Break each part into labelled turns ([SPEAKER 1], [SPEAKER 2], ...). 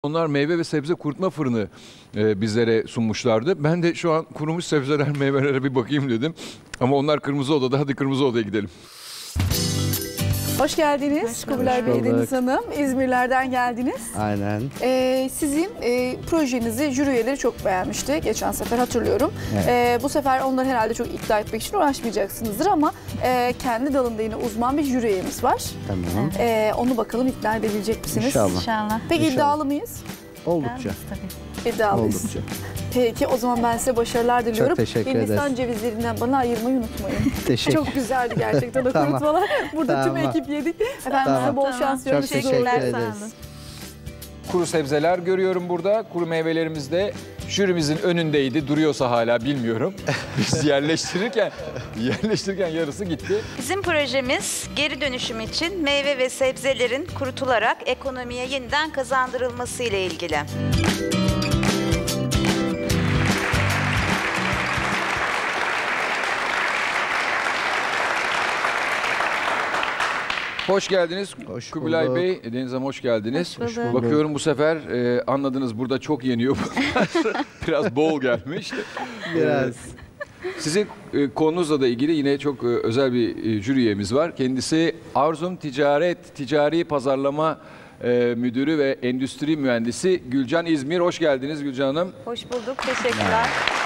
[SPEAKER 1] Onlar meyve ve sebze kurutma fırını bizlere sunmuşlardı. Ben de şu an kurumuş sebzeler, meyvelere bir bakayım dedim. Ama onlar kırmızı odada. Hadi kırmızı odaya gidelim.
[SPEAKER 2] Hoş geldiniz Kubilay Bey, Deniz Hanım. İzmirlerden geldiniz.
[SPEAKER 3] Aynen.
[SPEAKER 2] Sizin projenizi jüri üyeleri çok beğenmişti. Geçen sefer hatırlıyorum.
[SPEAKER 3] Evet.
[SPEAKER 2] Bu sefer onları herhalde çok ikna etmek için uğraşmayacaksınızdır ama kendi dalında yine uzman bir jüri üyemiz var.
[SPEAKER 3] Tamam.
[SPEAKER 2] Onu bakalım ikna edebilecek misiniz?
[SPEAKER 3] İnşallah.
[SPEAKER 2] Peki
[SPEAKER 3] İnşallah.
[SPEAKER 2] iddialı mıyız?
[SPEAKER 3] Oldukça.
[SPEAKER 2] İddialıyız.
[SPEAKER 3] Oldukça.
[SPEAKER 2] Peki o zaman ben size başarılar diliyorum.
[SPEAKER 3] Çok teşekkür
[SPEAKER 2] Hindistan
[SPEAKER 3] ederiz.
[SPEAKER 2] cevizlerinden bana ayırmayı unutmayın.
[SPEAKER 3] Teşekkür.
[SPEAKER 2] Çok güzeldi gerçekten o
[SPEAKER 3] Tamam.
[SPEAKER 2] kurutmalar. Burada tüm
[SPEAKER 3] Tamam.
[SPEAKER 2] ekip yedik. Efendim
[SPEAKER 3] Tamam.
[SPEAKER 2] size bol şans diliyorum.
[SPEAKER 3] Çok
[SPEAKER 2] Sizi
[SPEAKER 3] teşekkür
[SPEAKER 2] uğurluyorum.
[SPEAKER 3] ederiz.
[SPEAKER 1] Kuru sebzeler görüyorum burada. Kuru meyvelerimiz de jürimizin önündeydi. Duruyorsa hala bilmiyorum. Biz yerleştirirken yarısı gitti.
[SPEAKER 4] Bizim projemiz geri dönüşüm için meyve ve sebzelerin kurutularak ekonomiye yeniden kazandırılması ile ilgili.
[SPEAKER 1] Hoş geldiniz
[SPEAKER 3] Hoş
[SPEAKER 1] Kubilay
[SPEAKER 3] bulduk.
[SPEAKER 1] Bey, Deniz Hanım hoş geldiniz.
[SPEAKER 4] Hoş bulduk.
[SPEAKER 1] Bakıyorum bu sefer anladınız burada çok yeniyor bunlar. Biraz bol gelmiş.
[SPEAKER 3] Biraz.
[SPEAKER 1] Sizin konunuzla da ilgili yine çok özel bir jüri üyemiz var. Kendisi Arzum Ticari Pazarlama Müdürü ve Endüstri Mühendisi Gülcan İzmir. Hoş geldiniz Gülcan Hanım.
[SPEAKER 4] Hoş bulduk, teşekkürler.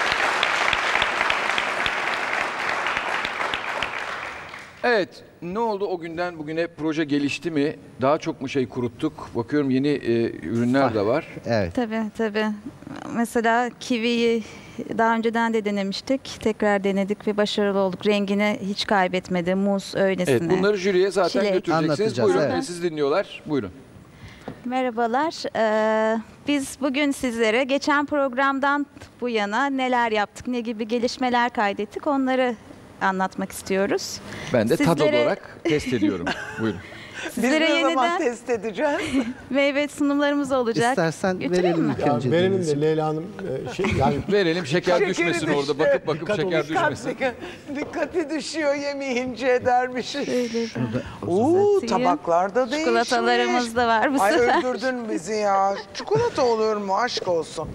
[SPEAKER 1] Evet, ne oldu o günden bugüne? Proje gelişti mi? Daha çok mu şey kuruttuk? Bakıyorum yeni ürünler de var.
[SPEAKER 3] Evet.
[SPEAKER 4] Tabii. Mesela kiviyi daha önceden de denemiştik. Tekrar denedik ve başarılı olduk. Rengini hiç kaybetmedi. Muz öylesine.
[SPEAKER 1] Evet, bunları jüriye zaten
[SPEAKER 4] Çilek.
[SPEAKER 1] götüreceksiniz.
[SPEAKER 3] Anlatacağız,
[SPEAKER 1] Buyurun,
[SPEAKER 3] evet.
[SPEAKER 1] siz dinliyorlar. Buyurun.
[SPEAKER 4] Merhabalar. Biz bugün sizlere geçen programdan bu yana neler yaptık, ne gibi gelişmeler kaydettik onları anlatmak istiyoruz.
[SPEAKER 1] Ben de tad
[SPEAKER 4] Sizlere-
[SPEAKER 1] olarak test ediyorum. Buyurun.
[SPEAKER 4] Sizlere
[SPEAKER 5] Biz ne zaman
[SPEAKER 4] yeniden
[SPEAKER 5] test edeceğiz?
[SPEAKER 4] meyve sunumlarımız olacak.
[SPEAKER 3] İstersen
[SPEAKER 4] Götüreyim
[SPEAKER 3] verelim
[SPEAKER 4] mi?
[SPEAKER 3] ilk önce.
[SPEAKER 6] Verelim
[SPEAKER 3] Deniz'ciğim.
[SPEAKER 6] de Leyla Hanım yani
[SPEAKER 1] Verelim şeker
[SPEAKER 5] Şekeri
[SPEAKER 1] düşmesin
[SPEAKER 5] düştü.
[SPEAKER 1] orada. Bakıp
[SPEAKER 6] Dikkat
[SPEAKER 1] şeker
[SPEAKER 6] olun.
[SPEAKER 1] düşmesin.
[SPEAKER 5] Dikkati düşüyor yemeyince dermişiz.
[SPEAKER 4] Şöyle
[SPEAKER 5] Oo,
[SPEAKER 4] Uzatayım.
[SPEAKER 5] tabaklarda değişmiş.
[SPEAKER 4] Çikolatalarımız da var bu
[SPEAKER 5] Ay
[SPEAKER 4] sefer.
[SPEAKER 5] öldürdün bizi ya. Çikolata olur mu? Aşk olsun.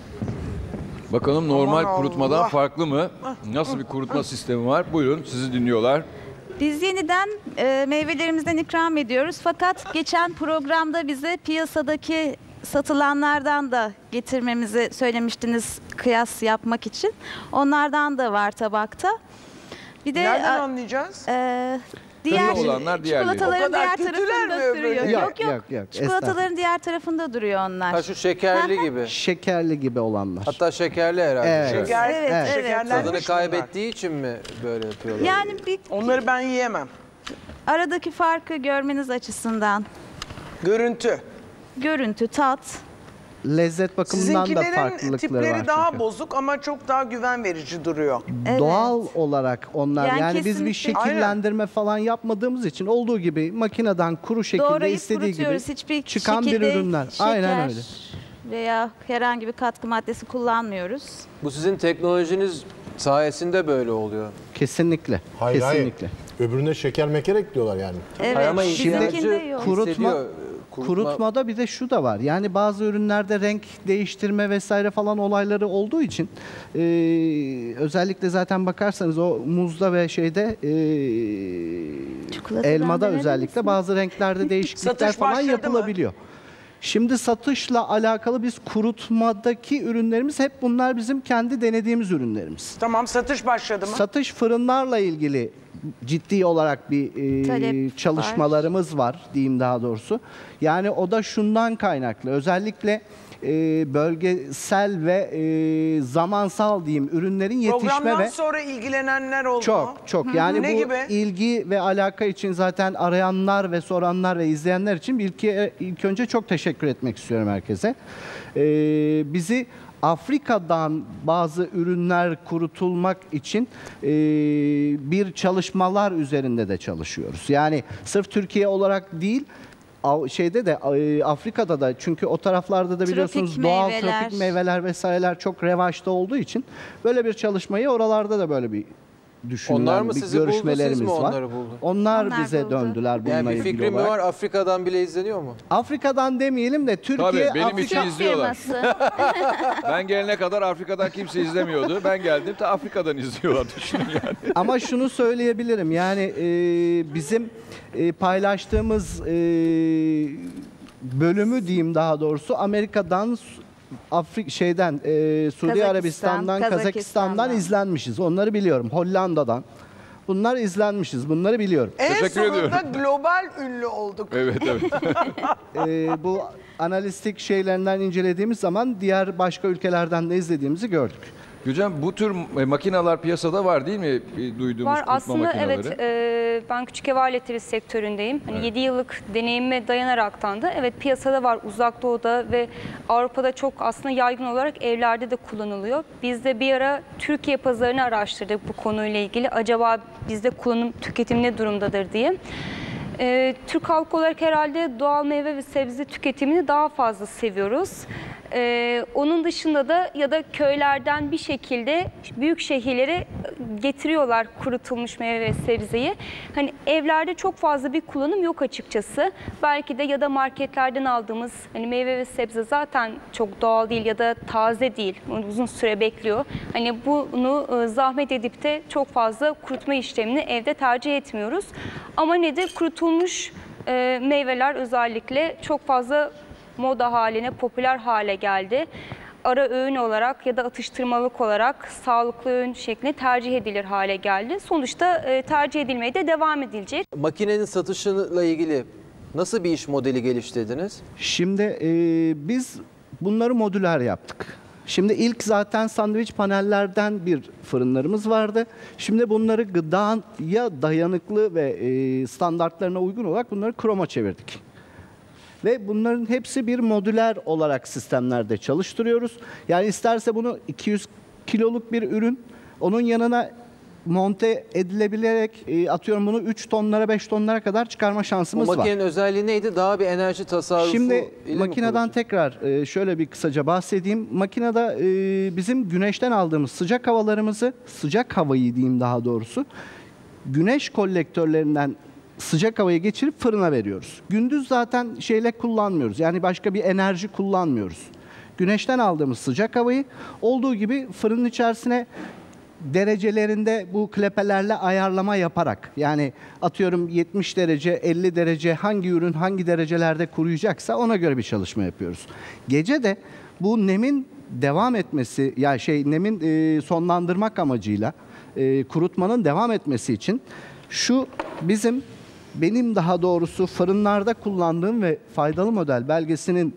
[SPEAKER 1] Bakalım normal
[SPEAKER 5] Aman
[SPEAKER 1] kurutmadan
[SPEAKER 5] Allah.
[SPEAKER 1] farklı mı? Nasıl bir kurutma sistemi var? Buyurun sizi dinliyorlar.
[SPEAKER 4] Biz yeniden meyvelerimizden ikram ediyoruz. Fakat geçen programda bize piyasadaki satılanlardan da getirmemizi söylemiştiniz kıyas yapmak için. Onlardan da var tabakta. Bir de
[SPEAKER 5] Nereden anlayacağız?
[SPEAKER 4] diğer
[SPEAKER 1] olanlar diğerleri.
[SPEAKER 4] çikolataların
[SPEAKER 5] O kadar
[SPEAKER 4] diğer
[SPEAKER 5] kötüler
[SPEAKER 4] tarafında
[SPEAKER 5] mi öbürleri?
[SPEAKER 4] duruyor.
[SPEAKER 3] Yok.
[SPEAKER 4] Çikolataların diğer tarafında duruyor onlar.
[SPEAKER 7] Ha şu şekerli gibi.
[SPEAKER 3] Şekerli gibi olanlar.
[SPEAKER 7] Hatta şekerli herhalde.
[SPEAKER 3] Evet.
[SPEAKER 5] Şeker,
[SPEAKER 4] Evet.
[SPEAKER 5] şekerlenmiş
[SPEAKER 7] Tadını
[SPEAKER 5] bunlar.
[SPEAKER 7] kaybettiği için mi böyle yapıyorlar?
[SPEAKER 4] Yani bir
[SPEAKER 5] Onları ben yiyemem.
[SPEAKER 4] aradaki farkı görmeniz açısından
[SPEAKER 5] Görüntü.
[SPEAKER 4] görüntü, tat.
[SPEAKER 3] Lezzet bakımından da
[SPEAKER 5] Sizinkilerin
[SPEAKER 3] farklılıkları
[SPEAKER 5] tipleri
[SPEAKER 3] var
[SPEAKER 5] daha
[SPEAKER 3] çünkü.
[SPEAKER 5] bozuk ama çok daha güven verici duruyor.
[SPEAKER 4] Evet.
[SPEAKER 3] Doğal olarak onlar
[SPEAKER 4] Yani
[SPEAKER 3] yani biz bir
[SPEAKER 4] kesinlikle.
[SPEAKER 3] şekillendirme falan yapmadığımız için olduğu gibi makineden kuru şekilde
[SPEAKER 4] Doğrayıp
[SPEAKER 3] istediği gibi
[SPEAKER 4] kurutuyoruz. Hiçbir
[SPEAKER 3] çıkan bir
[SPEAKER 4] şekilde
[SPEAKER 3] ürünler.
[SPEAKER 4] şeker
[SPEAKER 3] Aynen öyle.
[SPEAKER 4] veya herhangi bir katkı maddesi kullanmıyoruz.
[SPEAKER 7] Bu sizin teknolojiniz sayesinde böyle oluyor.
[SPEAKER 3] Kesinlikle.
[SPEAKER 6] hayır
[SPEAKER 3] Kesinlikle.
[SPEAKER 6] öbürüne şeker meker ekliyorlar yani.
[SPEAKER 4] Evet.
[SPEAKER 7] Ama
[SPEAKER 4] Bizimkinde
[SPEAKER 7] ihtiyacı
[SPEAKER 4] yok.
[SPEAKER 3] Kurutma-
[SPEAKER 7] kurutma-
[SPEAKER 3] Kurutmada bir de şu da var. Yani bazı ürünlerde renk değiştirme vesaire falan olayları olduğu için özellikle zaten bakarsanız o muzda ve şeyde
[SPEAKER 4] Çikolatadan
[SPEAKER 3] elmada
[SPEAKER 4] verelim
[SPEAKER 3] özellikle
[SPEAKER 4] misin?
[SPEAKER 3] bazı renklerde değişiklikler
[SPEAKER 5] Satış
[SPEAKER 3] falan
[SPEAKER 5] başladı mı?
[SPEAKER 3] yapılabiliyor. Şimdi satışla alakalı biz kurutmadaki ürünlerimiz hep bunlar bizim kendi denediğimiz ürünlerimiz.
[SPEAKER 5] Tamam, satış başladı mı?
[SPEAKER 3] Satış fırınlarla ilgili ciddi olarak bir
[SPEAKER 4] Talep
[SPEAKER 3] çalışmalarımız var diyeyim daha doğrusu. Yani o da şundan kaynaklı. Özellikle bölgesel ve zamansal diyeyim ürünlerin yetişme
[SPEAKER 5] Programdan
[SPEAKER 3] ve
[SPEAKER 5] sonra ilgilenenler oldu mu?
[SPEAKER 3] çok yani
[SPEAKER 5] Ne
[SPEAKER 3] bu
[SPEAKER 5] gibi?
[SPEAKER 3] ilgi ve alaka için zaten arayanlar ve soranlar ve izleyenler için ilk önce çok teşekkür etmek istiyorum herkese. Bizi Afrika'dan bazı ürünler kurutulmak için bir çalışmalar üzerinde de çalışıyoruz. Yani sırf Türkiye olarak değil, şeyde de Afrika'da da, çünkü o taraflarda da biliyorsunuz
[SPEAKER 4] Tropik
[SPEAKER 3] doğal
[SPEAKER 4] meyveler.
[SPEAKER 3] tropik meyveler vesaireler çok revaçta olduğu için böyle bir çalışmayı oralarda da böyle bir düşünülen
[SPEAKER 7] Onlar mı
[SPEAKER 3] bir
[SPEAKER 7] sizi buldu, siz
[SPEAKER 3] görüşmelerimiz
[SPEAKER 7] mi
[SPEAKER 3] var.
[SPEAKER 7] onları buldu?
[SPEAKER 3] Onlar
[SPEAKER 4] Onlar
[SPEAKER 3] bize
[SPEAKER 4] buldu.
[SPEAKER 3] döndüler bununla
[SPEAKER 7] Yani bir
[SPEAKER 3] ilgili
[SPEAKER 7] fikrim mi
[SPEAKER 3] olarak.
[SPEAKER 7] var, Afrika'dan bile izleniyor mu?
[SPEAKER 3] Afrika'dan demeyelim de Türkiye,
[SPEAKER 1] Tabii, benim
[SPEAKER 3] Afrika...
[SPEAKER 1] için izliyorlar.
[SPEAKER 4] Firması.
[SPEAKER 1] Ben gelene kadar Afrika'dan kimse izlemiyordu. Ben geldim de Afrika'dan izliyorlar, düşünün yani.
[SPEAKER 3] Ama şunu söyleyebilirim, yani bizim paylaştığımız bölümü diyeyim, daha doğrusu Amerika'dan, Suudi
[SPEAKER 4] Kazakistan,
[SPEAKER 3] Arabistan'dan, Kazakistan'dan
[SPEAKER 4] Kazakistan'dan
[SPEAKER 3] izlenmişiz. Onları biliyorum. Hollanda'dan. Bunlar izlenmişiz. Bunları biliyorum.
[SPEAKER 5] En
[SPEAKER 1] Teşekkür
[SPEAKER 5] sonunda
[SPEAKER 1] ediyorum.
[SPEAKER 5] global ünlü olduk.
[SPEAKER 1] Evet, evet.
[SPEAKER 3] Bu analistik şeylerinden incelediğimiz zaman diğer başka ülkelerden de izlediğimizi gördük.
[SPEAKER 1] Gülcan, bu tür makineler piyasada var değil mi? Duyduğumuz
[SPEAKER 8] Var
[SPEAKER 1] kurutma
[SPEAKER 8] aslında,
[SPEAKER 1] makineleri.
[SPEAKER 8] evet. Ben küçük ev aletleri sektöründeyim. Hani 7 yıllık deneyime dayanaraktan da evet, piyasada var, Uzak Doğu'da ve Avrupa'da çok aslında yaygın olarak evlerde de kullanılıyor. Biz de bir ara Türkiye pazarını araştırdık bu konuyla ilgili. Acaba bizde kullanım, tüketim ne durumdadır diye. Türk halkı olarak herhalde doğal meyve ve sebze tüketimini daha fazla seviyoruz. Onun dışında da ya da köylerden bir şekilde büyük şehirlere getiriyorlar kurutulmuş meyve ve sebzeyi. Hani evlerde çok fazla bir kullanım yok açıkçası. Belki de ya da marketlerden aldığımız hani meyve ve sebze zaten çok doğal değil ya da taze değil. Uzun süre bekliyor. Hani bunu zahmet edip de çok fazla kurutma işlemini evde tercih etmiyoruz. Ama nedir? Kurutulmuş meyveler özellikle çok fazla moda haline, popüler hale geldi. Ara öğün olarak ya da atıştırmalık olarak sağlıklı öğün şeklinde tercih edilir hale geldi. Sonuçta tercih edilmeye de devam edilecek.
[SPEAKER 7] Makinenin satışıyla ilgili nasıl bir iş modeli geliştirdiniz?
[SPEAKER 3] Şimdi biz bunları modüler yaptık. Şimdi ilk zaten sandviç panellerden bir fırınlarımız vardı. Şimdi bunları gıdaya dayanıklı ve standartlarına uygun olarak bunları kroma çevirdik. Ve bunların hepsi bir modüler olarak sistemlerde çalıştırıyoruz. Yani isterse bunu 200 kiloluk bir ürün, onun yanına monte edilebilerek atıyorum bunu 3 tonlara 5 tonlara kadar çıkarma şansımız
[SPEAKER 7] O
[SPEAKER 3] var.
[SPEAKER 7] makinenin özelliği neydi? Daha bir enerji tasarrufu
[SPEAKER 3] Şimdi
[SPEAKER 7] ile mi
[SPEAKER 3] makineden
[SPEAKER 7] kurulacak?
[SPEAKER 3] tekrar şöyle bir kısaca bahsedeyim. Makinede bizim güneşten aldığımız sıcak havalarımızı, sıcak havayı diyeyim daha doğrusu, güneş kolektörlerinden sıcak havayı geçirip fırına veriyoruz. Gündüz zaten şeyle kullanmıyoruz. Yani başka bir enerji kullanmıyoruz. Güneşten aldığımız sıcak havayı olduğu gibi fırının içerisine derecelerinde bu klepelerle ayarlama yaparak, yani atıyorum 70 derece, 50 derece hangi ürün hangi derecelerde kuruyacaksa ona göre bir çalışma yapıyoruz. Gece de bu nemin devam etmesi, yani nemin sonlandırmak amacıyla kurutmanın devam etmesi için şu benim daha doğrusu fırınlarda kullandığım ve faydalı model belgesinin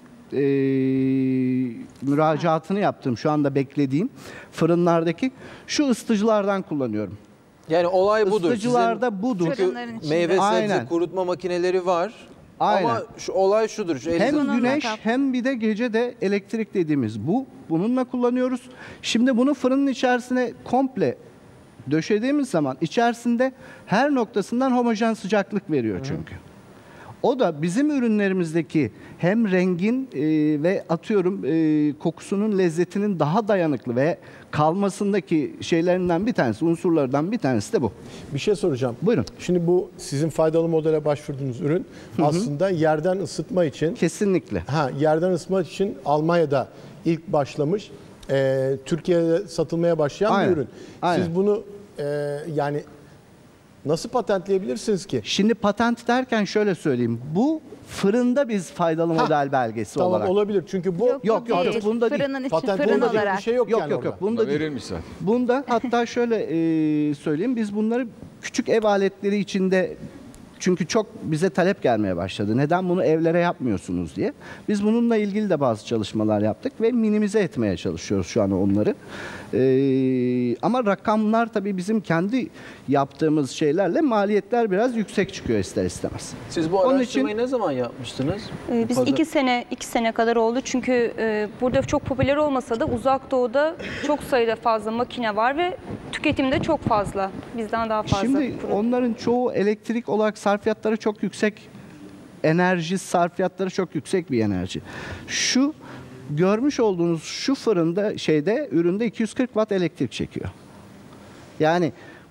[SPEAKER 3] müracaatını yaptığım, şu anda beklediğim fırınlardaki şu ısıtıcılardan kullanıyorum.
[SPEAKER 7] Yani olay budur.
[SPEAKER 3] Isıtıcılarda budur.
[SPEAKER 4] Fırınların
[SPEAKER 7] Çünkü
[SPEAKER 4] içinde.
[SPEAKER 7] meyve sebze
[SPEAKER 3] Aynen.
[SPEAKER 7] kurutma makineleri var.
[SPEAKER 3] Aynen.
[SPEAKER 7] Ama olay şudur. Şu elinizde-
[SPEAKER 3] Hem güneş
[SPEAKER 4] kap.
[SPEAKER 3] hem bir de gece de elektrik dediğimiz bununla kullanıyoruz. Şimdi bunu fırının içerisine komple döşediğimiz zaman içerisinde her noktasından homojen sıcaklık veriyor çünkü. O da bizim ürünlerimizdeki hem rengin ve atıyorum kokusunun lezzetinin daha dayanıklı ve kalmasındaki şeylerinden bir tanesi, unsurlardan bir tanesi de bu.
[SPEAKER 6] Bir şey soracağım.
[SPEAKER 3] Buyurun.
[SPEAKER 6] Şimdi bu sizin faydalı modele başvurduğunuz ürün aslında yerden ısıtma için,
[SPEAKER 3] Kesinlikle.
[SPEAKER 6] yerden ısıtma için Almanya'da ilk başlamış, Türkiye'de satılmaya başlayan
[SPEAKER 3] Aynen.
[SPEAKER 6] bir ürün.
[SPEAKER 3] Aynen.
[SPEAKER 6] Siz bunu yani nasıl patentleyebilirsiniz ki?
[SPEAKER 3] Şimdi patent derken şöyle söyleyeyim. Bu fırında biz faydalı model belgesi
[SPEAKER 6] Tamam,
[SPEAKER 3] olarak.
[SPEAKER 6] olabilir çünkü bu
[SPEAKER 3] Yok,
[SPEAKER 4] Değil.
[SPEAKER 3] bunda değil.
[SPEAKER 4] Fırının için
[SPEAKER 6] patent
[SPEAKER 4] fırın
[SPEAKER 6] olacak
[SPEAKER 4] olarak.
[SPEAKER 6] bir şey yok,
[SPEAKER 3] Yok
[SPEAKER 6] yani
[SPEAKER 3] yok yok.
[SPEAKER 6] orada.
[SPEAKER 3] Bunda değil.
[SPEAKER 1] Verilmiş zaten.
[SPEAKER 3] Bunda hatta şöyle söyleyeyim, biz bunları küçük ev aletleri içinde, çünkü çok bize talep gelmeye başladı. Neden bunu evlere yapmıyorsunuz diye. Biz bununla ilgili de bazı çalışmalar yaptık ve minimize etmeye çalışıyoruz şu an onları. Ama rakamlar tabii bizim kendi yaptığımız şeylerle maliyetler biraz yüksek çıkıyor ister istemez.
[SPEAKER 7] Siz bu
[SPEAKER 3] Onun
[SPEAKER 7] araştırmayı
[SPEAKER 3] için-
[SPEAKER 7] ne zaman yapmıştınız?
[SPEAKER 8] Biz
[SPEAKER 7] Pazar-
[SPEAKER 8] 2 sene kadar oldu çünkü burada çok popüler olmasa da Uzak Doğu'da çok sayıda fazla makine var ve tüketimde çok fazla. Bizden daha fazla.
[SPEAKER 3] Şimdi onların çoğu elektrik olarak sarfiyatları çok yüksek. Enerji sarfiyatları çok yüksek bir enerji. Şu görmüş olduğunuz şu fırında üründe 240 watt elektrik çekiyor. Yani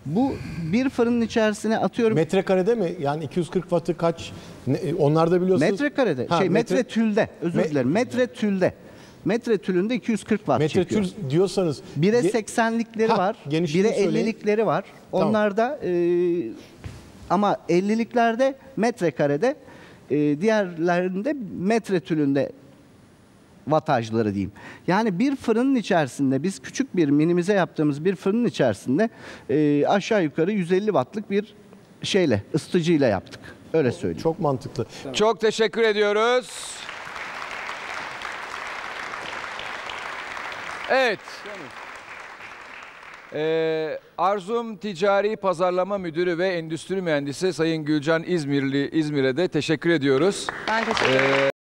[SPEAKER 3] Bu bir fırının içerisine atıyorum.
[SPEAKER 6] Metrekarede mi? Yani 240 wattı kaç? Onlar da biliyorsunuz.
[SPEAKER 3] Metrekarede. Metre tülde. Özür dilerim. Metre tülde. Metre tülünde 240 watt
[SPEAKER 6] metre
[SPEAKER 3] çekiyor.
[SPEAKER 6] tül diyorsanız.
[SPEAKER 3] 1'e 80'likleri var. 1'e 50'likleri var.
[SPEAKER 6] Tamam.
[SPEAKER 3] Onlarda ama 50'liklerde metrekarede, diğerlerinde metre tülünde wattajları diyeyim. Yani bir fırının içerisinde, biz küçük bir minimize yaptığımız bir fırının içerisinde aşağı yukarı 150 wattlık bir ısıtıcıyla yaptık. Öyle söyleyeyim.
[SPEAKER 6] Çok mantıklı.
[SPEAKER 1] Çok teşekkür ediyoruz. Evet. Arzum Ticari Pazarlama Müdürü ve Endüstri Mühendisi Sayın Gülcan İzmir'e de teşekkür ediyoruz.
[SPEAKER 8] Ben teşekkür ederim.